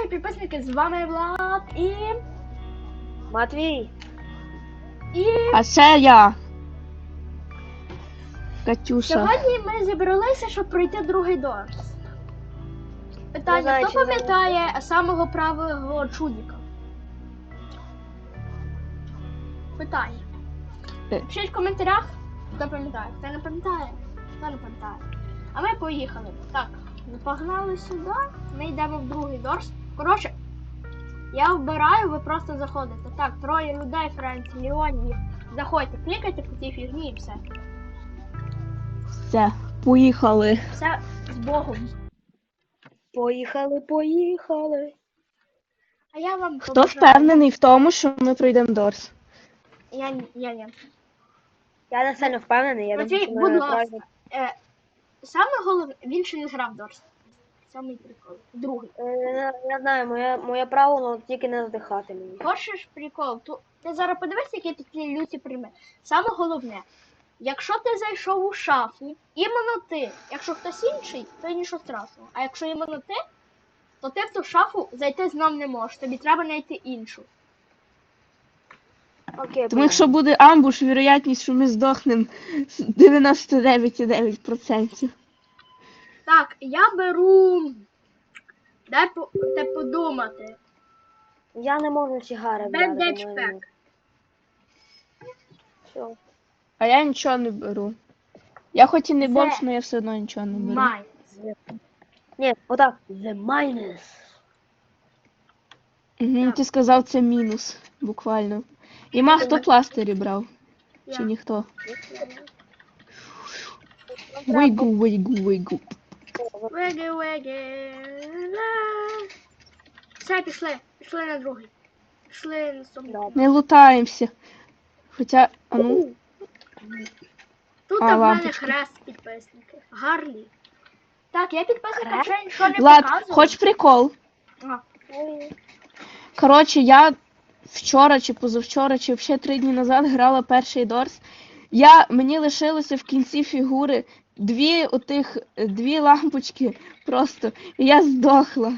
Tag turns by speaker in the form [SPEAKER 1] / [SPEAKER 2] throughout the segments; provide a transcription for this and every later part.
[SPEAKER 1] Привіт, підписники, з вами Влад і...
[SPEAKER 2] Матвій.
[SPEAKER 3] А це я. Катюша.
[SPEAKER 1] Сьогодні ми зібралися, щоб пройти другий дорс. Питання,
[SPEAKER 2] знаю,
[SPEAKER 1] хто
[SPEAKER 2] чи
[SPEAKER 1] пам'ятає самого правого чудика? Питання. Пишіть в коментарях, хто пам'ятає. Хто не пам'ятає, хто не пам'ятає. А ми поїхали. Так, ми погнали сюди, ми йдемо в другий дорс. Коротше, я вбираю, ви просто заходите. Так, 3 людей, Френц, Леонів. Заходьте, клікайте по цій фігні і все.
[SPEAKER 3] Все, поїхали.
[SPEAKER 1] Все з Богом.
[SPEAKER 2] Поїхали.
[SPEAKER 1] А я вам
[SPEAKER 3] Хто
[SPEAKER 1] побажаю-
[SPEAKER 3] впевнений в тому, що ми пройдемо Дорс?
[SPEAKER 1] Я.
[SPEAKER 2] Я не сильно впевнений, я
[SPEAKER 1] Матвій,
[SPEAKER 2] думаю, що
[SPEAKER 1] будь
[SPEAKER 2] ми
[SPEAKER 1] ласка.
[SPEAKER 2] правильно.
[SPEAKER 1] Саме головне, він ще не грав Дорс. Самий прикол. Другий.
[SPEAKER 2] Я знаю, моє право, але тільки не здихати мені.
[SPEAKER 1] Хочеш прикол? Ти зараз подивись, які тут є люті прийми. Саме головне, якщо ти зайшов у шафу, іменно ти. Якщо хтось інший, то нічого страшного. А якщо іменно ти, то ти в ту шафу зайти знов не можеш. Тобі треба знайти іншу.
[SPEAKER 2] Окей,
[SPEAKER 3] Тому якщо буде амбуш, вірогідність, що ми здохнемо 99,9%.
[SPEAKER 1] Так, я беру. Дай подумати.
[SPEAKER 2] я не можу сігари взяти.
[SPEAKER 1] Бендедж
[SPEAKER 2] тому
[SPEAKER 1] пек.
[SPEAKER 2] Все.
[SPEAKER 3] А я нічого не беру. Я хоч і не
[SPEAKER 1] Це
[SPEAKER 3] бомж, але я все одно нічого не беру.
[SPEAKER 1] Май.
[SPEAKER 2] Ні, отак. The minus.
[SPEAKER 3] Угу,
[SPEAKER 1] Так.
[SPEAKER 3] ти сказав, це мінус, буквально. Іма хто пластирі брав? Чи
[SPEAKER 1] Я.
[SPEAKER 3] ніхто? Вийгу.
[SPEAKER 1] Веги. Все, пішли. Пішли на другий. Пішли на собі.
[SPEAKER 3] Не лутаємося. Хоча, а ну,
[SPEAKER 1] Тут
[SPEAKER 3] А,
[SPEAKER 1] в мене
[SPEAKER 3] лампочка.
[SPEAKER 1] хрест підписники. Гарлі. Так, я підписникам
[SPEAKER 2] Хрест?
[SPEAKER 1] ще нічого не
[SPEAKER 3] Влад,
[SPEAKER 1] показую.
[SPEAKER 3] хоч прикол?
[SPEAKER 1] А,
[SPEAKER 3] Коротше, я вчора чи позавчора, чи взагалі 3 дні назад грала перший Дорс. Мені лишилося в кінці фігури дві лампочки просто. І я здохла.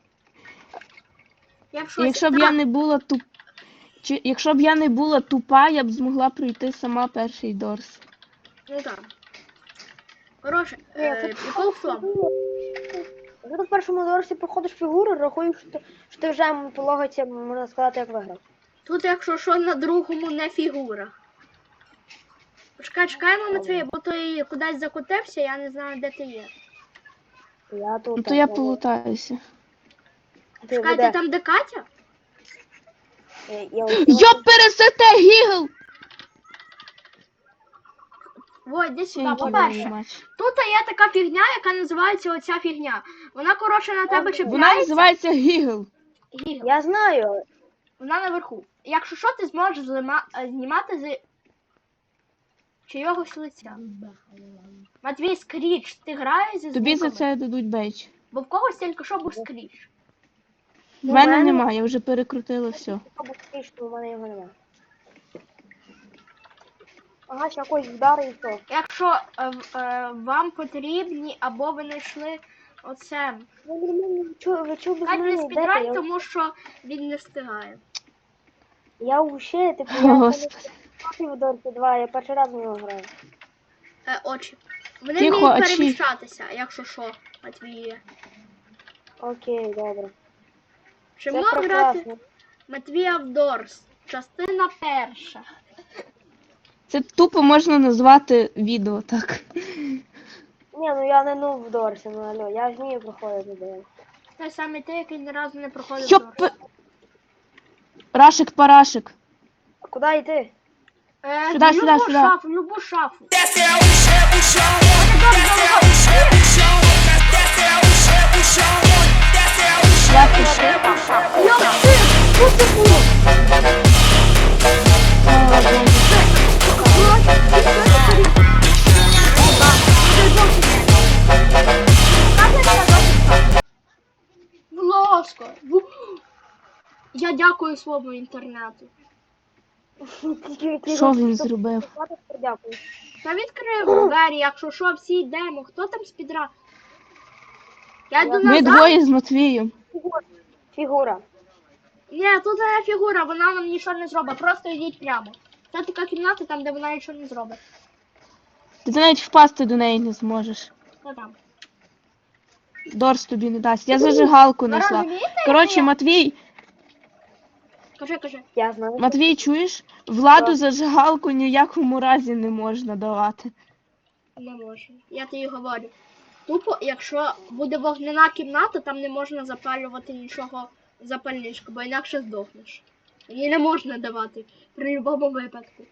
[SPEAKER 1] я в
[SPEAKER 3] І
[SPEAKER 1] шоці.
[SPEAKER 3] якщо б я не була якщо б я не була тупа, я б змогла пройти сама перший Дорс.
[SPEAKER 1] Ну так. Коротше, прикол в тому.
[SPEAKER 2] Якщо ти в першому доросі проходиш фігуру, рахуєш, що ти вже по логіці, можна сказати, як виграв.
[SPEAKER 1] Тут, якщо що, на другому не фігура. Чекаємо, Матвій, бо той кудись закотився, я не знаю, де ти є.
[SPEAKER 2] Я тут.
[SPEAKER 3] Ну то я полутаюся.
[SPEAKER 2] Ти
[SPEAKER 1] Чекайте,
[SPEAKER 2] веде.
[SPEAKER 1] там де Катя?
[SPEAKER 3] Йоп, пересете, гігл!
[SPEAKER 1] Ой, десь сюди.
[SPEAKER 3] Тінький
[SPEAKER 1] По-перше,
[SPEAKER 3] матч.
[SPEAKER 1] тут є така фігня, яка називається оця фігня. Вона, коротше, на тебе
[SPEAKER 3] Вона
[SPEAKER 1] чіпляється.
[SPEAKER 3] називається гігл.
[SPEAKER 1] Гігл.
[SPEAKER 2] Я знаю.
[SPEAKER 1] Вона наверху. Якщо що, ти зможеш знімати з чийогось лиця. Матвій, скріч, ти граєш зі
[SPEAKER 3] Тобі за
[SPEAKER 1] звуками?
[SPEAKER 3] це дадуть бейдж.
[SPEAKER 1] Бо в когось тільки що був скріч.
[SPEAKER 3] В мене немає, я вже перекрутила все.
[SPEAKER 2] Або що в мене його немає. Ага, ще якось вдари і все.
[SPEAKER 1] Якщо вам потрібні або ви знайшли оце.
[SPEAKER 2] Ви чого без
[SPEAKER 1] Кать не
[SPEAKER 2] мене йдете?
[SPEAKER 1] спідрань, тому що він не встигає.
[SPEAKER 2] Я вообще, типу,
[SPEAKER 3] О,
[SPEAKER 2] я
[SPEAKER 3] Господи.
[SPEAKER 2] в Дорсі 2, я перший раз в нього граю.
[SPEAKER 1] Очі. Вони
[SPEAKER 3] Тихо,
[SPEAKER 1] вміють
[SPEAKER 3] очі.
[SPEAKER 1] переміщатися, якщо що, Матвіє.
[SPEAKER 2] Окей, добре.
[SPEAKER 1] Чи
[SPEAKER 2] Це
[SPEAKER 1] можна грати
[SPEAKER 2] прекрасно.
[SPEAKER 1] Матвія в Дорс? Частина перша.
[SPEAKER 3] Це тупо можна назвати відео, так.
[SPEAKER 2] Ні, ну я не в Дорсі, ну алло, я ж вмію проходити Дорс.
[SPEAKER 1] Той самий ти, який ні разу не проходив
[SPEAKER 3] Йоп!
[SPEAKER 1] Дорс.
[SPEAKER 3] Рашик-парашик.
[SPEAKER 2] А куди йти?
[SPEAKER 3] Сюди,
[SPEAKER 1] в
[SPEAKER 3] сюди,
[SPEAKER 1] любу
[SPEAKER 3] сюди.
[SPEAKER 1] шафу, в любу шафу.
[SPEAKER 3] Я пішла.
[SPEAKER 1] Будь ласка. Я дякую своєму інтернету.
[SPEAKER 3] Що він зробив?
[SPEAKER 2] Дякую.
[SPEAKER 1] Та відкрив двері, якщо що, всі йдемо. Хто там спідра? Я йду
[SPEAKER 3] Ми
[SPEAKER 1] назад.
[SPEAKER 3] двоє з Матвієм.
[SPEAKER 2] Фігура.
[SPEAKER 1] Ні, тут не фігура, вона нам нічого не зробить, просто йдіть прямо. Це така кімната, там, де вона нічого не зробить.
[SPEAKER 3] Ти навіть впасти до неї не зможеш.
[SPEAKER 1] Що там?
[SPEAKER 3] Дорс тобі не дасть. Я зажигалку
[SPEAKER 1] Ви
[SPEAKER 3] знайшла.
[SPEAKER 1] розумієте,
[SPEAKER 3] Коротше,
[SPEAKER 1] як
[SPEAKER 3] Матвій,
[SPEAKER 1] Кажи.
[SPEAKER 2] Я знаю.
[SPEAKER 3] Матвій, чуєш? Владу
[SPEAKER 2] Що?
[SPEAKER 3] зажигалку ні в якому разі не можна давати.
[SPEAKER 1] Не можу. Я тобі говорю. Тупо, якщо буде вогняна кімната, там не можна запалювати нічого запальничку, бо інакше здохнеш. Її не можна давати при будь-якому випадку.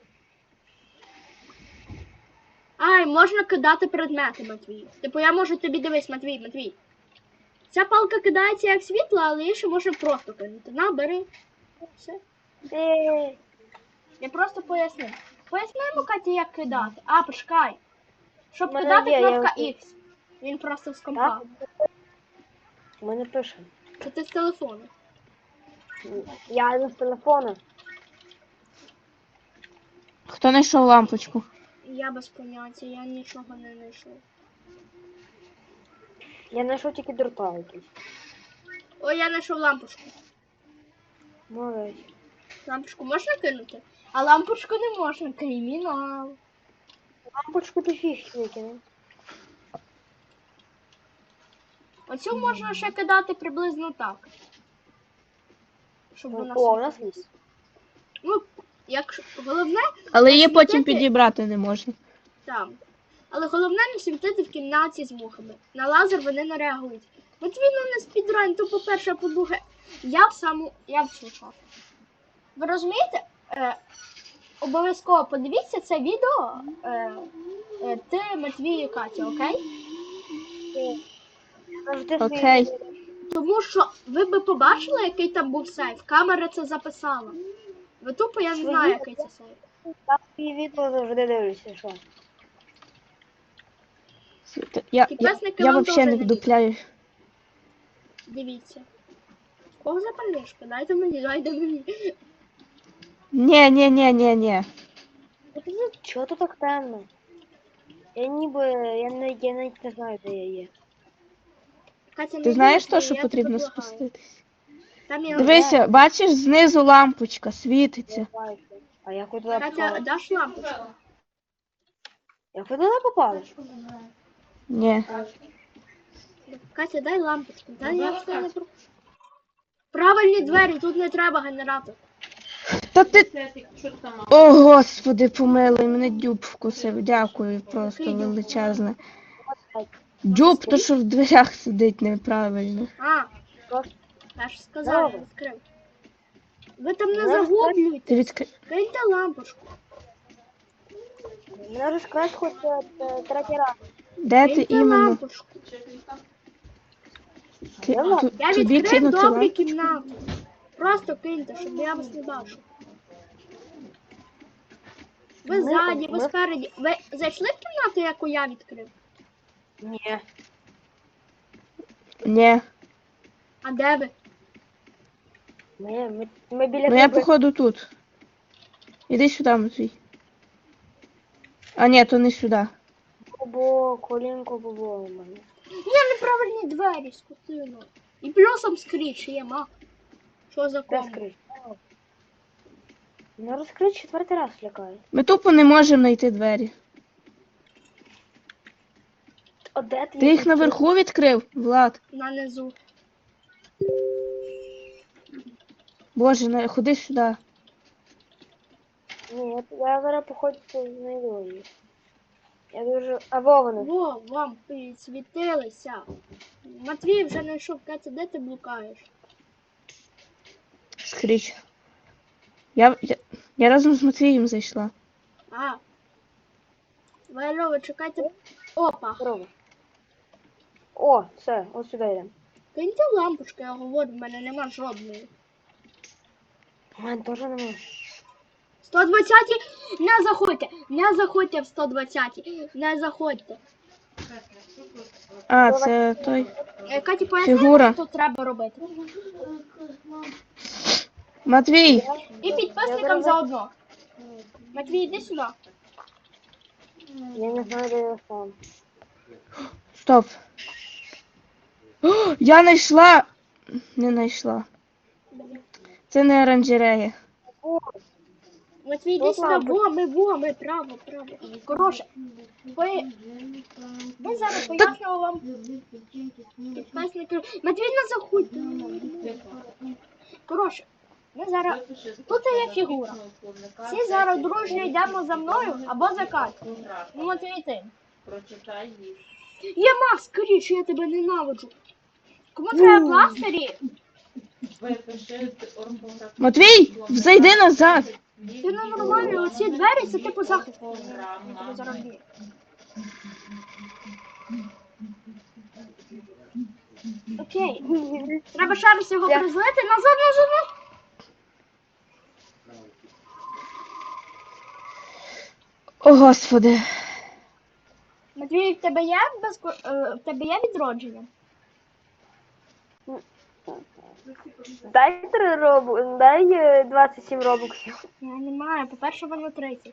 [SPEAKER 1] Ай, можна кидати предмети, Матвій. Типу я можу тобі дивись, Матвій. Ця палка кидається як світло, але її ще можна просто кинути. На, бери. Все. Я просто поясню. Пояснимо, Каті, як кидати. А, почекай. Щоб
[SPEAKER 2] Мене
[SPEAKER 1] кидати
[SPEAKER 2] є,
[SPEAKER 1] кнопка
[SPEAKER 2] я-
[SPEAKER 1] X. Він просто з компа.
[SPEAKER 2] Так? Ми не пишемо.
[SPEAKER 1] Це ти з телефону.
[SPEAKER 2] Я не з телефону.
[SPEAKER 3] Хто знайшов лампочку?
[SPEAKER 1] Я без поняття, я нічого не знайшов.
[SPEAKER 2] Я знайшов тільки дрота якісь.
[SPEAKER 1] Ой, я знайшов лампочку.
[SPEAKER 2] Молодець.
[SPEAKER 1] Лампочку можна кинути? А лампочку не можна. Кримінал.
[SPEAKER 2] Лампочку ти фіг викинув.
[SPEAKER 1] Оцю можна ще кидати приблизно так. Щоб вона
[SPEAKER 2] О, у
[SPEAKER 1] світила.
[SPEAKER 2] нас є.
[SPEAKER 1] Ну, якщо головне
[SPEAKER 3] Але її потім
[SPEAKER 1] світити-
[SPEAKER 3] підібрати не можна.
[SPEAKER 1] там. Але головне не світити в кімнаті з мухами. На лазер вони не реагують. От він не спідрайн, то по-перше, а по-друге, я в цю шафу. Ви розумієте? Обов'язково подивіться це відео. Ти, Матвій і Катя, окей?
[SPEAKER 2] Завжди
[SPEAKER 3] Окей.
[SPEAKER 2] свій-
[SPEAKER 1] Тому що ви би побачили, який там був сейф. Камера це записала. Ви тупо я не
[SPEAKER 2] Свої-
[SPEAKER 1] знаю, який це сейф.
[SPEAKER 2] Я свої відео завжди дивлюся, що.
[SPEAKER 3] Я
[SPEAKER 1] Підписники вам
[SPEAKER 3] взагалі
[SPEAKER 1] теж
[SPEAKER 3] не
[SPEAKER 1] не
[SPEAKER 3] вдупляю.
[SPEAKER 1] Дивіться. Кого запальничка? Дайте мені.
[SPEAKER 3] Ні.
[SPEAKER 2] Чого тут так темно? Я навіть не знаю, де я є.
[SPEAKER 1] Катя, не
[SPEAKER 3] Ти знаєш
[SPEAKER 1] дивись,
[SPEAKER 3] то, що
[SPEAKER 1] я
[SPEAKER 3] потрібно
[SPEAKER 1] тебе благаю.
[SPEAKER 3] спуститись?
[SPEAKER 1] Там я
[SPEAKER 3] Дивися, бачиш, знизу лампочка світиться.
[SPEAKER 2] А як ви туди
[SPEAKER 1] Катя,
[SPEAKER 2] попали?
[SPEAKER 1] даш лампочку?
[SPEAKER 2] Як ви туди попали?
[SPEAKER 3] Ні.
[SPEAKER 1] Катя, дай лампочку. Дай я все не про... Правильні двері, тут не треба генератор.
[SPEAKER 3] Та ти. О, господи, помилуй, мене дюб вкусив. Дякую, просто
[SPEAKER 1] Який дюб?
[SPEAKER 3] величезне. Дюб, то що в дверях сидить неправильно.
[SPEAKER 1] А,
[SPEAKER 2] Просто
[SPEAKER 1] я ж сказала, я
[SPEAKER 2] Добре.
[SPEAKER 1] відкрив. Ви там не
[SPEAKER 2] Ну,
[SPEAKER 1] загублюйте.
[SPEAKER 3] Ти відкри...
[SPEAKER 1] Киньте лампочку.
[SPEAKER 2] мене вже скраш хоч третій раз.
[SPEAKER 3] Де ти
[SPEAKER 1] Киньте
[SPEAKER 3] іменно?
[SPEAKER 1] лампочку.
[SPEAKER 3] Я
[SPEAKER 1] Я
[SPEAKER 3] тобі
[SPEAKER 1] відкрив
[SPEAKER 3] кинути
[SPEAKER 1] добрі
[SPEAKER 3] лампочку?
[SPEAKER 1] кімнати. Просто киньте, щоб я вас не бачив. Ви
[SPEAKER 2] Ми-
[SPEAKER 1] ззаді, ви
[SPEAKER 2] ми-
[SPEAKER 1] спереді. Ви зайшли в кімнату, яку я відкрив?
[SPEAKER 2] Ні.
[SPEAKER 3] Ні.
[SPEAKER 1] А де ви?
[SPEAKER 2] Ми біля
[SPEAKER 3] Ну я
[SPEAKER 2] тебе.
[SPEAKER 3] походу тут. Іди сюди, Матвій. А ні, то не сюди.
[SPEAKER 2] Бо колінко було у мене.
[SPEAKER 1] Є неправильні двері, скотина. І плюсом скріч є, ма. Що за ком?
[SPEAKER 2] Розкрий. Ну розкрий четвертий раз лякає.
[SPEAKER 3] Ми тупо не можемо знайти двері.
[SPEAKER 2] О, де ти?
[SPEAKER 3] Ти їх наверху відкрив, Влад?
[SPEAKER 1] На низу.
[SPEAKER 3] Боже, ходи сюди.
[SPEAKER 2] Ні, я зараз походу знайду її. Я дуже... А Вована.
[SPEAKER 1] Во, вам підсвітилися. Матвій вже знайшов. Катя, де ти блукаєш?
[SPEAKER 3] Скріч. Я разом з Матвієм зайшла.
[SPEAKER 1] А. Ви чекайте. Опа.
[SPEAKER 2] Здорово. О, все, ось сюди йдемо.
[SPEAKER 1] Киньте лампочку, я говорю, в мене нема жодної.
[SPEAKER 2] У мене теж немає.
[SPEAKER 1] 120 не заходьте в 120 не заходьте.
[SPEAKER 3] А, це той.
[SPEAKER 1] Каті, поясни,
[SPEAKER 3] Фігура.
[SPEAKER 1] що тут треба робити.
[SPEAKER 3] Матвій!
[SPEAKER 1] І підписникам заодно. Матвій, іди сюди.
[SPEAKER 2] Я не знаю, де я сам.
[SPEAKER 3] Стоп. О, я знайшла не знайшла. Це не оранжерея.
[SPEAKER 2] О,
[SPEAKER 1] Матвій, йди
[SPEAKER 2] Тут
[SPEAKER 1] сюди,
[SPEAKER 2] лампочка.
[SPEAKER 1] во, ми, право. Коротше, ми зараз пояснюємо вам підписники. Матвій, не заходь. Коротше, ми зараз... Тут є фігура. Всі зараз дружньо йдемо за мною або за Катю. Ну, Матвій, ти.
[SPEAKER 4] Прочитай їх.
[SPEAKER 1] Я Макс, скоріше, я тебе ненавиджу. Кому треба пластирі?
[SPEAKER 4] Випиши орфографію.
[SPEAKER 3] Матвій, зайди назад.
[SPEAKER 1] Це ненормально, оці двері, це типу захист. Я тебе зараз б'ю. Окей. Треба ще раз його
[SPEAKER 2] Я-
[SPEAKER 1] призлити. Назад.
[SPEAKER 3] О, Господи.
[SPEAKER 1] Матвій, в тебе є в тебе є відродження?
[SPEAKER 2] Дай 3 робу, дай 27 робоксів.
[SPEAKER 1] Я не маю. По-перше, воно 30.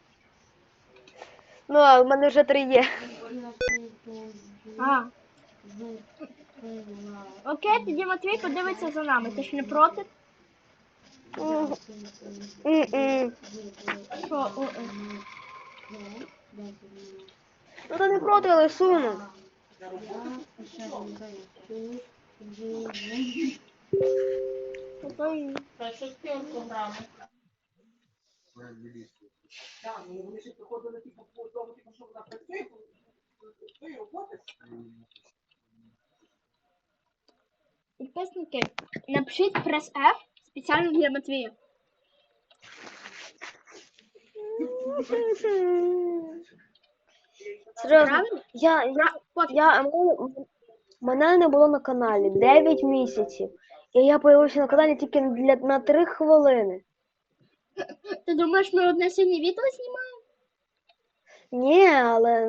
[SPEAKER 2] Ну, а в мене вже 3 є.
[SPEAKER 1] А. Окей, тоді Матвій подивиться за нами. Ти ж не проти?
[SPEAKER 2] М-м.
[SPEAKER 1] Що?
[SPEAKER 2] Ну, то не проти, але суну.
[SPEAKER 1] Ой.
[SPEAKER 4] Та що з цією програмою?
[SPEAKER 1] Підписники, напишіть прес F спеціально для Матвія.
[SPEAKER 2] Серйозно,
[SPEAKER 1] Правильно?
[SPEAKER 2] мене не було на каналі 9 місяців. І я появився на каналі тільки на 3 хвилини.
[SPEAKER 1] Ти думаєш, ми одне сьогодні відео знімаємо?
[SPEAKER 2] Ні, але...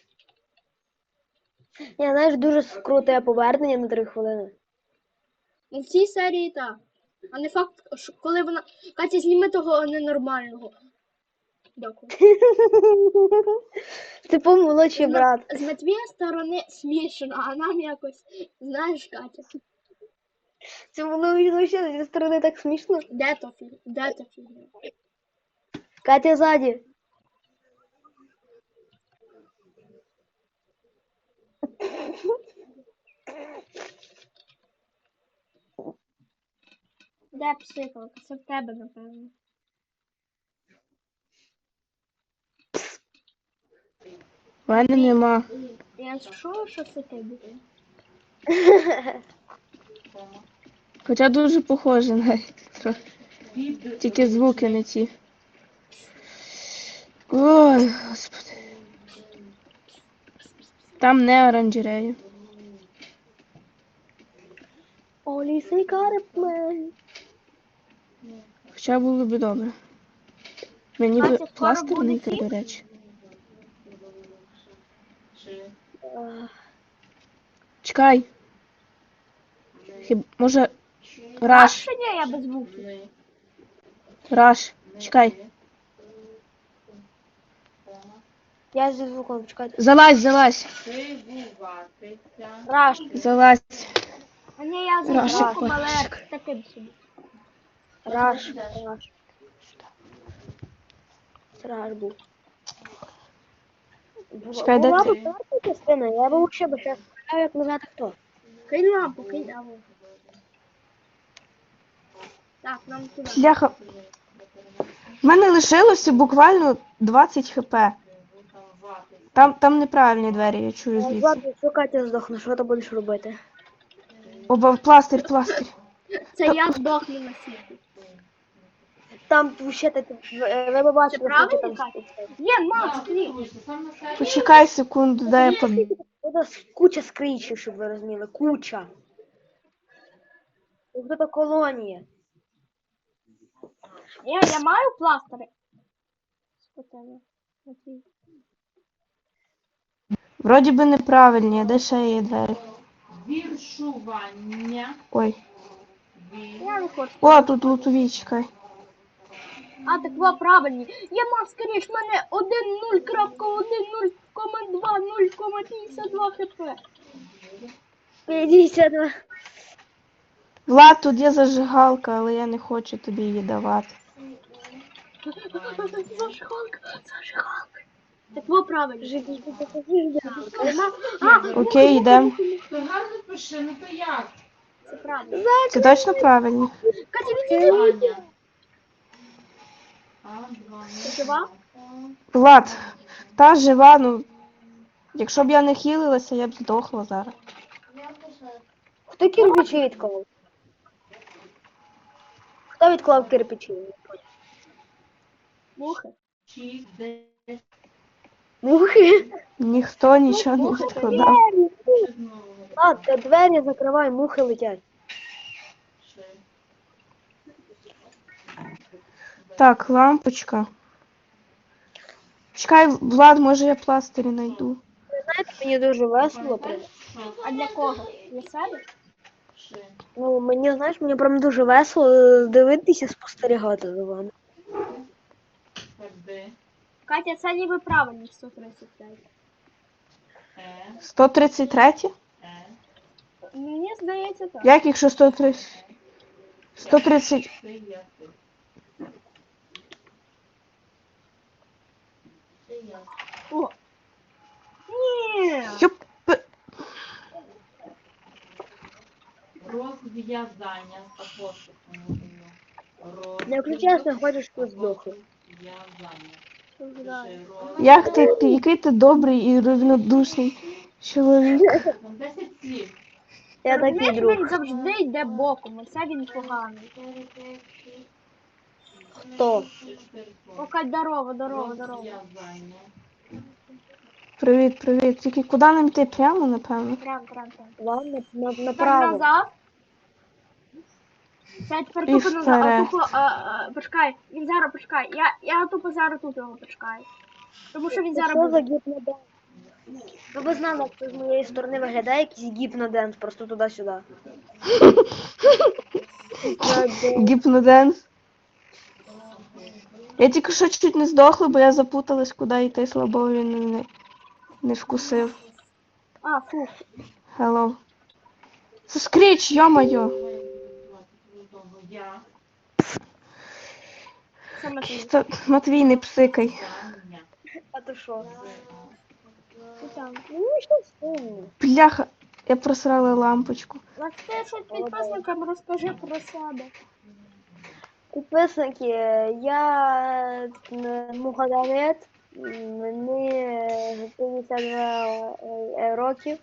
[SPEAKER 2] Ні, знаєш, дуже круте повернення на 3 хвилини.
[SPEAKER 1] Ну, в цій серії так. А не факт, що коли вона... Катя, зніми того ненормального. Дякую.
[SPEAKER 2] Типу молодший брат.
[SPEAKER 1] З Матвія сторони смішно, а нам якось, знаєш, Катя.
[SPEAKER 2] Це було ще зі сторони так смішно.
[SPEAKER 1] Де то фігня?
[SPEAKER 2] Катя ззаді.
[SPEAKER 1] Де психолог? Це в тебе, напевно.
[SPEAKER 3] В мене нема.
[SPEAKER 1] Я чую, що це тобі.
[SPEAKER 3] Хоча дуже похоже навіть. Трохи. Тільки звуки не ті. Ой, Господи. Там не оранжерея.
[SPEAKER 2] Олісий карплей.
[SPEAKER 3] Хоча було б добре. Мені
[SPEAKER 1] Катя,
[SPEAKER 3] б
[SPEAKER 1] скоро
[SPEAKER 3] пластир
[SPEAKER 1] буде
[SPEAKER 3] знайти,
[SPEAKER 1] ці?
[SPEAKER 3] до речі. Чекай. Може... Раш.
[SPEAKER 1] Що ні, я без звуків.
[SPEAKER 3] Раш. Чекай.
[SPEAKER 2] Я зі звуком, чекайте.
[SPEAKER 3] Залазь.
[SPEAKER 2] Раш.
[SPEAKER 3] Залазь.
[SPEAKER 1] А ні, я за
[SPEAKER 3] Раша,
[SPEAKER 1] звуком, але
[SPEAKER 3] Пашечка.
[SPEAKER 1] таким собі.
[SPEAKER 2] Раш. Це Раш був.
[SPEAKER 3] Чекай, де
[SPEAKER 2] Була
[SPEAKER 3] ти?
[SPEAKER 2] б перша частина, я б ще б ще сказав, як не знати хто.
[SPEAKER 1] Кинь лампу, кинь лампу. Так, нам туди.
[SPEAKER 3] Бляха. В мене лишилося буквально 20 хп. Там неправильні двері, я чую звідси.
[SPEAKER 2] Ладно, якщо Катя здохне, що ти будеш робити?
[SPEAKER 3] Оба, пластир.
[SPEAKER 1] Це я здохну на світі.
[SPEAKER 2] Там ще ти, ви б бачили,
[SPEAKER 1] правильно,
[SPEAKER 2] що там
[SPEAKER 1] Катя?
[SPEAKER 2] стоїть.
[SPEAKER 1] Є, Макс, ні.
[SPEAKER 3] Почекай секунду, дай я по...
[SPEAKER 2] Буде куча скрічів, щоб ви розуміли, куча. Ось це колонія.
[SPEAKER 1] Ні, я маю пластири. Що тебе? Матвій?
[SPEAKER 3] Вроді би неправильні, а де ще є двері?
[SPEAKER 4] Віршування.
[SPEAKER 3] Ой.
[SPEAKER 1] Я не хочу.
[SPEAKER 3] О, тут лутові, чекай.
[SPEAKER 1] А, так ви правильні. Я мав, скоріш, в мене 1.0.1.0,2.0,52 хп.
[SPEAKER 2] 52.
[SPEAKER 3] Влад, тут є зажигалка, але я не хочу тобі її давати.
[SPEAKER 1] Зажигалка, зажигалка. Так во правильно.
[SPEAKER 2] Жити, покажи,
[SPEAKER 3] Окей, йдемо.
[SPEAKER 4] То гарно пиши, ну то як?
[SPEAKER 1] Це правильно.
[SPEAKER 3] Це точно правильно?
[SPEAKER 1] Катя, відійди.
[SPEAKER 4] Аня.
[SPEAKER 1] Ти жива?
[SPEAKER 3] Влад, та жива, ну. Якщо б я не хілилася, я б здохла зараз.
[SPEAKER 2] Хто кирпичі відклав? Хто відклав кирпичі?
[SPEAKER 1] Мухи.
[SPEAKER 4] 6, 10,
[SPEAKER 2] Мухи.
[SPEAKER 3] Ніхто нічого не відкладав.
[SPEAKER 4] знову.
[SPEAKER 2] А, ти двері закривай, мухи летять.
[SPEAKER 4] 6.
[SPEAKER 3] Так, лампочка. Чекай, Влад, може я пластирі знайду.
[SPEAKER 2] Знаєте, мені дуже весело.
[SPEAKER 1] А для кого? Для себе?
[SPEAKER 2] Ну, мені, знаєш, мені прям дуже весело дивитися, спостерігати за вами.
[SPEAKER 4] Ходи.
[SPEAKER 1] Катя, це ніби правильно 135.
[SPEAKER 3] 133?
[SPEAKER 1] Мені здається так.
[SPEAKER 3] Як якщо 130? 130.
[SPEAKER 4] Це я тут. Це я.
[SPEAKER 1] О! Ні!
[SPEAKER 3] Юп.
[SPEAKER 4] Розв'язання з апострофом.
[SPEAKER 2] Якщо чесно, хочеш тут здохнути.
[SPEAKER 4] Розв'язання.
[SPEAKER 3] Як ти, який ти добрий і рівнодушний чоловік.
[SPEAKER 4] 10 слів.
[SPEAKER 2] Я такий
[SPEAKER 1] Розумієш,
[SPEAKER 2] друг.
[SPEAKER 1] він завжди йде боком, оце він поганий.
[SPEAKER 2] Хто?
[SPEAKER 1] О, Кать, здорово, здорово, здорово.
[SPEAKER 4] Розв'язання.
[SPEAKER 3] Привіт, привіт. Тільки куди нам йти? Прямо, напевно.
[SPEAKER 1] Прям.
[SPEAKER 2] Ладно,
[SPEAKER 1] Тепер
[SPEAKER 2] направо.
[SPEAKER 1] назад. Це тепер
[SPEAKER 3] І
[SPEAKER 1] тупо назад.
[SPEAKER 3] вперед.
[SPEAKER 1] Тупо, почекай, він зараз почекай. Я тупо зараз тут його почекаю. Тому що він зараз
[SPEAKER 2] Що за
[SPEAKER 1] буде.
[SPEAKER 2] гіпноденс? Ну ви знали, як це з моєї сторони виглядає якийсь гіпноденс, просто туди-сюди.
[SPEAKER 3] Гіпноденс. Я тільки що чуть не здохла, бо я запуталась, куди йти, слабо він мене не вкусив.
[SPEAKER 1] А, фу.
[SPEAKER 3] Hello. Це скріч, йо-моє.
[SPEAKER 4] Я.
[SPEAKER 1] Це Матвій.
[SPEAKER 3] Матвій, не псикай.
[SPEAKER 4] Зання.
[SPEAKER 2] А то що?
[SPEAKER 1] Ти там.
[SPEAKER 2] Ну, що сумно.
[SPEAKER 3] Бляха, я просрала лампочку.
[SPEAKER 1] Ти що підписникам розкажи про себе.
[SPEAKER 2] Підписники, я Мухадамет, мені 52 років.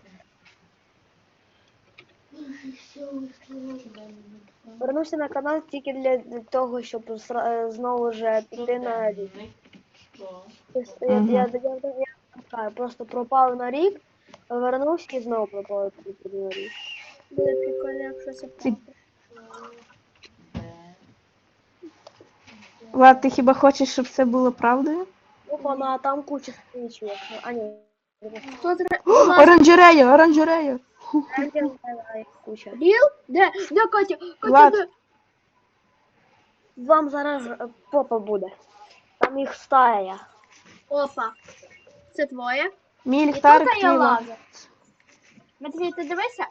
[SPEAKER 2] Вернувся на канал тільки для того, щоб знову ж піти на рік.
[SPEAKER 4] Що?
[SPEAKER 2] Я просто пропав на рік, вернувся і знову пропав на рік.
[SPEAKER 1] Буде прикольно, якщо це правда.
[SPEAKER 3] Влад, ти хіба хочеш, щоб це було правдою?
[SPEAKER 2] Опа, а там куча стрічок. А ні.
[SPEAKER 1] Хто зра...
[SPEAKER 3] Оранжерея, оранжерея.
[SPEAKER 2] Куча.
[SPEAKER 1] Біл? Де? Де Катя?
[SPEAKER 3] Влад.
[SPEAKER 1] Катя, де?
[SPEAKER 2] Вам зараз попа буде. Там їх стая.
[SPEAKER 1] Опа. Це твоє?
[SPEAKER 3] Мій
[SPEAKER 1] І
[SPEAKER 3] ліхтарик
[SPEAKER 1] тут я
[SPEAKER 3] твій лад.
[SPEAKER 1] лазер. Матвій, ти дивися?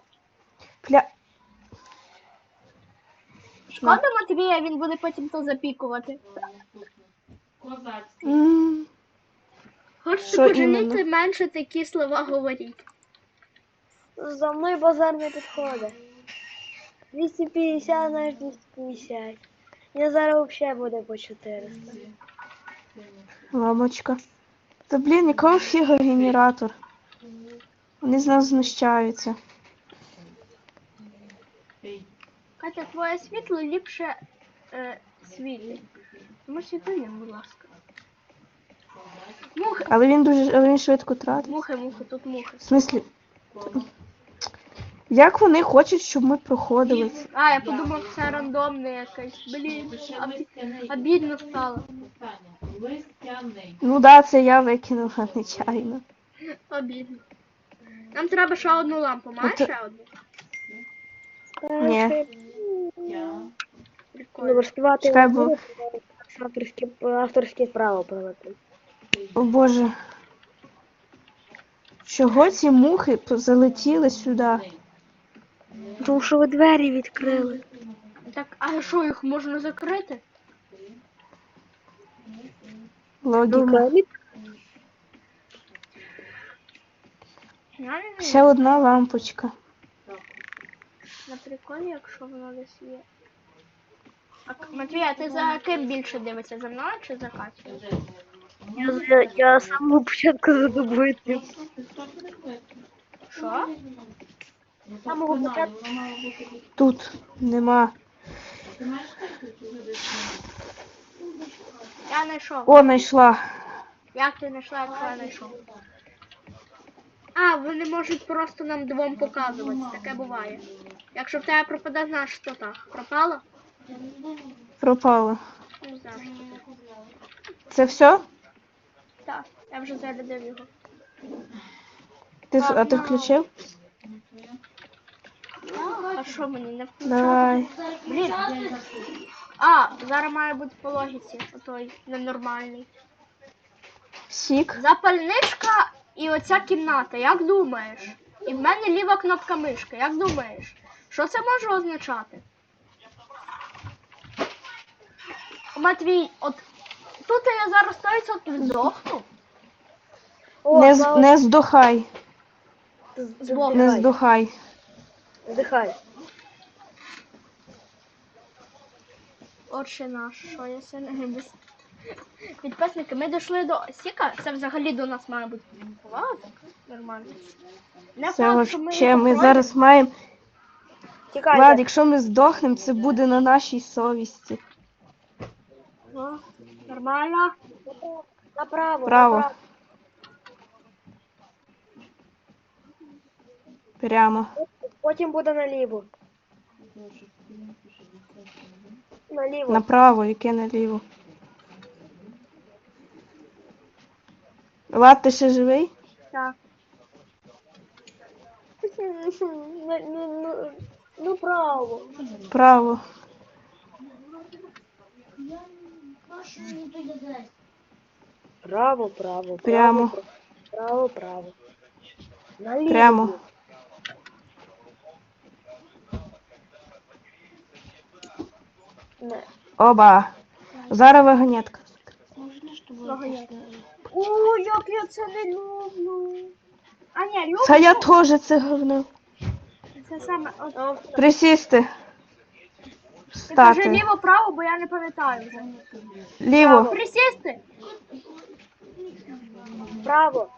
[SPEAKER 1] Шкода Матвія, він буде потім то запікувати.
[SPEAKER 4] Козацький.
[SPEAKER 1] Хочете
[SPEAKER 3] Що
[SPEAKER 1] пожаліти, менше такі слова говоріть.
[SPEAKER 2] За мною базар не підходить. 250, знаєш, 250. Я зараз взагалі буде по 400.
[SPEAKER 3] Ламочка. Та блін, якого фіга генератор? Вони з нас знущаються.
[SPEAKER 1] Катя, твоє світло ліпше світить. Тому світло, будь ласка. Мухи,
[SPEAKER 3] Але він швидко тратить.
[SPEAKER 1] мухи, тут мухи.
[SPEAKER 3] В смислі, як вони хочуть, щоб ми проходили це?
[SPEAKER 1] А, я подумав, це рандомне якесь. Блін, обідно стало.
[SPEAKER 4] Листяний.
[SPEAKER 3] Ну да, це я викинула нечайно.
[SPEAKER 1] Обідно. Нам треба ще одну лампу. Маєш
[SPEAKER 3] Оце-
[SPEAKER 1] ще одну?
[SPEAKER 3] Ні.
[SPEAKER 4] Я.
[SPEAKER 1] Прикольно.
[SPEAKER 2] Добре, співати
[SPEAKER 3] Чекай, бо-
[SPEAKER 2] авторське право провести.
[SPEAKER 3] О боже. Чого ці мухи залетіли сюди?
[SPEAKER 2] тому що ви двері відкрили.
[SPEAKER 1] Так, а що, їх можна закрити?
[SPEAKER 3] Логіка.
[SPEAKER 1] Я не
[SPEAKER 3] Ще
[SPEAKER 1] знаю.
[SPEAKER 3] одна лампочка.
[SPEAKER 1] На приколі, якщо воно десь є. Матвій, а ти за ким більше дивишся? За мною чи за Катю?
[SPEAKER 2] Я з самого початку за тобою.
[SPEAKER 1] Що?
[SPEAKER 2] З самого початку.
[SPEAKER 3] Тут нема.
[SPEAKER 1] Я знайшов.
[SPEAKER 3] О, знайшла.
[SPEAKER 1] Як ти знайшла, якщо я знайшов? А, вони можуть просто нам двом показувати. Таке буває. Якщо в тебе пропаде, знаєш, що так. Пропало?
[SPEAKER 3] Пропала.
[SPEAKER 1] Не знаю.
[SPEAKER 3] Це все?
[SPEAKER 1] Так, я вже зарядив його.
[SPEAKER 3] А ти включив?
[SPEAKER 1] А що мені не включати?
[SPEAKER 3] Давай.
[SPEAKER 1] Блін. А, зараз має бути по логіці. Отой ненормальний.
[SPEAKER 3] Сік.
[SPEAKER 1] Запальничка і оця кімната, як думаєш? І в мене ліва кнопка мишки, як думаєш? Що це може означати? Матвій, от тут я зараз 100% здохну.
[SPEAKER 3] Не здохай.
[SPEAKER 1] Збоку.
[SPEAKER 3] Не здохай.
[SPEAKER 2] Вдихай.
[SPEAKER 1] Отче наш, що я сьогодні не без... Підписники, ми дійшли до Сіка, це взагалі до нас має бути повага, нормально. Не
[SPEAKER 3] Це
[SPEAKER 1] факт, що ми
[SPEAKER 3] вообще,
[SPEAKER 1] його
[SPEAKER 3] ми
[SPEAKER 1] пройдемо.
[SPEAKER 3] зараз маємо.
[SPEAKER 2] Тікай.
[SPEAKER 3] Влад, якщо ми здохнемо, це буде на нашій совісті.
[SPEAKER 1] О, нормально.
[SPEAKER 2] Направо.
[SPEAKER 3] Право.
[SPEAKER 2] Направо.
[SPEAKER 3] Прямо.
[SPEAKER 2] Потім буде наліво. Наліво.
[SPEAKER 3] Направо, яке наліво. Влад, ти ще живий?
[SPEAKER 1] Так.
[SPEAKER 2] Ну, право.
[SPEAKER 3] Право.
[SPEAKER 2] Право, право.
[SPEAKER 3] Прямо.
[SPEAKER 2] Право, право. Наліво.
[SPEAKER 3] Прямо.
[SPEAKER 2] Не.
[SPEAKER 3] Оба. Зараз вагонетка.
[SPEAKER 1] О, як я це не люблю. А ні, люблю.
[SPEAKER 3] Та я теж це говно.
[SPEAKER 1] Це саме. От,
[SPEAKER 3] Присісти.
[SPEAKER 1] ти кажи
[SPEAKER 3] Стати.
[SPEAKER 1] ліво-право, бо я не пам'ятаю вже.
[SPEAKER 3] Ліво.
[SPEAKER 1] Присісти.
[SPEAKER 2] Право.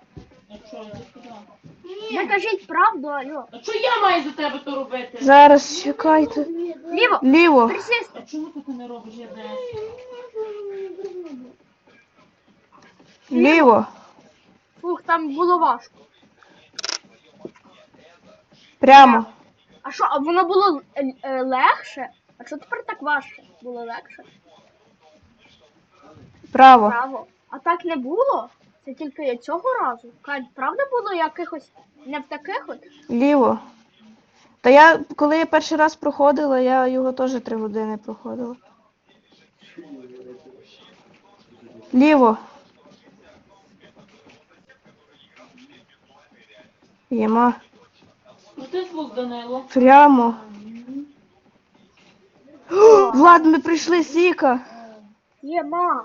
[SPEAKER 1] Не кажіть правду, алло.
[SPEAKER 4] А що я маю за тебе то робити?
[SPEAKER 3] Зараз чекайте.
[SPEAKER 1] Ліво.
[SPEAKER 3] Ліво.
[SPEAKER 1] Присісти.
[SPEAKER 4] А чому ти не робиш я не?
[SPEAKER 3] Ліво.
[SPEAKER 1] Фух, там було важко.
[SPEAKER 3] Прямо.
[SPEAKER 1] А що, а воно було легше? А що тепер так важче? Було легше?
[SPEAKER 3] Право.
[SPEAKER 1] Право. А так не було? Це тільки цього разу. Кать, правда було якихось не в таких от?
[SPEAKER 3] Ліво. Та я, коли я перший раз проходила, я його теж 3 години проходила. Ліво. Єма.
[SPEAKER 4] Ну ти звук, Данило.
[SPEAKER 3] Прямо. О, Влад, ми прийшли Сіка.
[SPEAKER 1] Є, мам.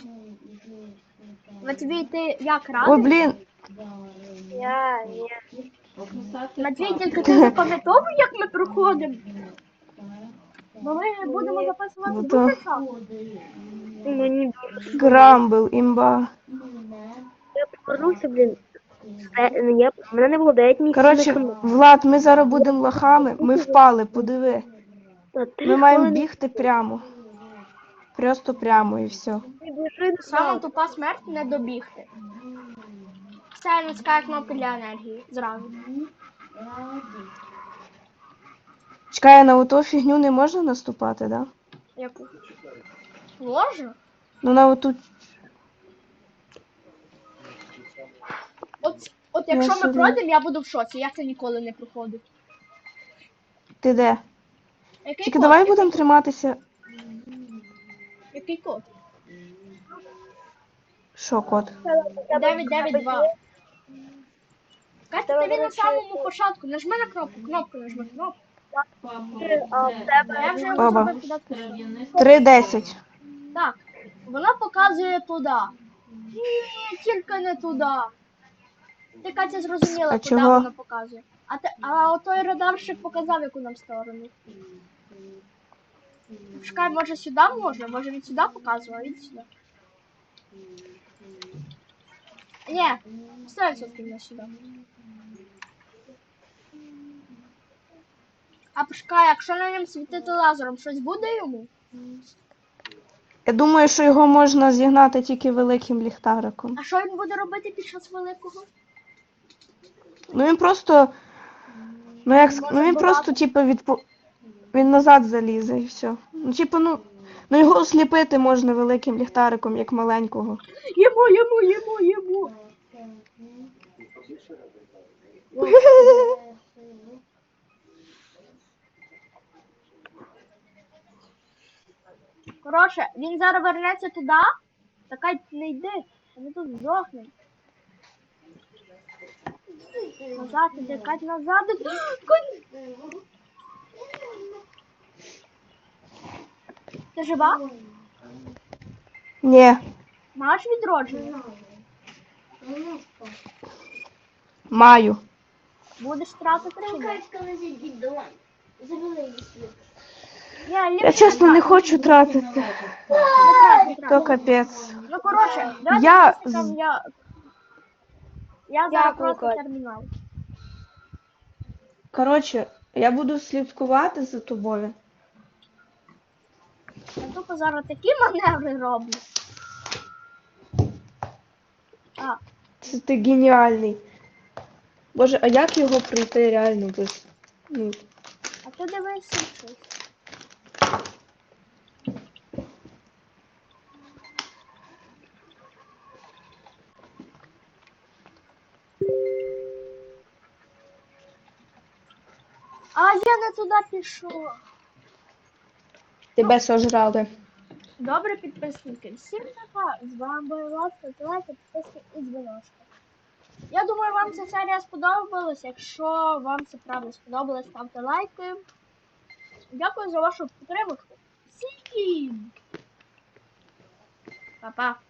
[SPEAKER 1] Матвій, ти як
[SPEAKER 3] Ой,
[SPEAKER 1] радий?
[SPEAKER 3] блін.
[SPEAKER 2] Ні.
[SPEAKER 1] Матвій, тільки ти запам'ятовуй, як ми проходимо? Бо ми будемо записувати
[SPEAKER 3] Ну,
[SPEAKER 1] дуже
[SPEAKER 3] то-
[SPEAKER 1] часто.
[SPEAKER 2] Мені
[SPEAKER 3] Грамбл, імба.
[SPEAKER 2] я повернувся, блін. Мене не було 9 місяців.
[SPEAKER 3] Коротше, Влад, ми зараз будемо лохами. Ми впали, подиви. Ми маємо бігти прямо. Просто прямо і все.
[SPEAKER 1] Сама тупа смерть не добігти. Це натискає кнопки для енергії зразу.
[SPEAKER 3] Чекай, на оту фігню не можна наступати, да?
[SPEAKER 1] Яку? Можна?
[SPEAKER 3] Ну на оту.
[SPEAKER 1] От якщо ми
[SPEAKER 3] собі-
[SPEAKER 1] пройдемо, я буду в шоці. Я це ніколи не проходив.
[SPEAKER 3] Ти де?
[SPEAKER 1] Який
[SPEAKER 3] Тільки
[SPEAKER 1] код?
[SPEAKER 3] давай будемо триматися.
[SPEAKER 1] Який код?
[SPEAKER 3] Що, кот?
[SPEAKER 1] 992. Катя,
[SPEAKER 2] Тебе,
[SPEAKER 1] тобі
[SPEAKER 2] до
[SPEAKER 1] на
[SPEAKER 2] речі,
[SPEAKER 1] самому початку. Нажми на кнопку, кнопку нажми, кнопку.
[SPEAKER 4] Папа,
[SPEAKER 2] А в тебе?
[SPEAKER 1] Я вже йому
[SPEAKER 3] Баба.
[SPEAKER 1] зробив підатку.
[SPEAKER 3] 3:10.
[SPEAKER 1] Так, вона показує туди. Ні, тільки не туди. Ти, Катя, зрозуміла,
[SPEAKER 3] А
[SPEAKER 1] куди
[SPEAKER 3] чого?
[SPEAKER 1] вона показує. А отой радарщик показав, яку нам сторону. Чекай, може сюди можна? Може він сюди показував, а він сюди. Ні, 100% не сюди. А почекай, якщо на ньому світити лазером, щось буде йому?
[SPEAKER 3] Я думаю, що його можна зігнати тільки великим ліхтариком.
[SPEAKER 1] А що він буде робити під час великого?
[SPEAKER 3] Ну він просто. Ну він просто, типу, він назад залізе і все. Ну, типу, ну його осліпити можна великим ліхтариком, як маленького.
[SPEAKER 1] Йому. Коротше, він зараз вернеться туди. Така не йди, а ми тут здохнемо. Назад іди, Кать, назад іди. Ти жива?
[SPEAKER 3] Ні,
[SPEAKER 1] Маєш відродження?
[SPEAKER 3] маю.
[SPEAKER 1] Будеш тратити чи ні?
[SPEAKER 3] Я чесно не хочу тратити.
[SPEAKER 1] Не трать, не
[SPEAKER 3] То
[SPEAKER 1] трать.
[SPEAKER 3] капець.
[SPEAKER 1] Ну, коротше, давайте
[SPEAKER 3] Я
[SPEAKER 1] підписникам я зараз
[SPEAKER 2] Дякую,
[SPEAKER 1] просто
[SPEAKER 2] Кать.
[SPEAKER 1] термінал.
[SPEAKER 3] Коротше, я буду слідкувати за тобою.
[SPEAKER 1] Я тупо зараз такі маневри роблю. А,
[SPEAKER 3] Ти геніальний. Боже, а як його пройти реально без. Ну,
[SPEAKER 1] а ти дивишся щось. А я не туди пішов.
[SPEAKER 3] тебе сожрали.
[SPEAKER 1] Добре, підписники. Всім пока. З вами була Ласка, лайки, підписки і дзвіночки. Я думаю, вам ця серія сподобалась. Якщо вам це правда сподобалось, ставте лайки. Дякую за вашу підтримку. Всім! Па-па!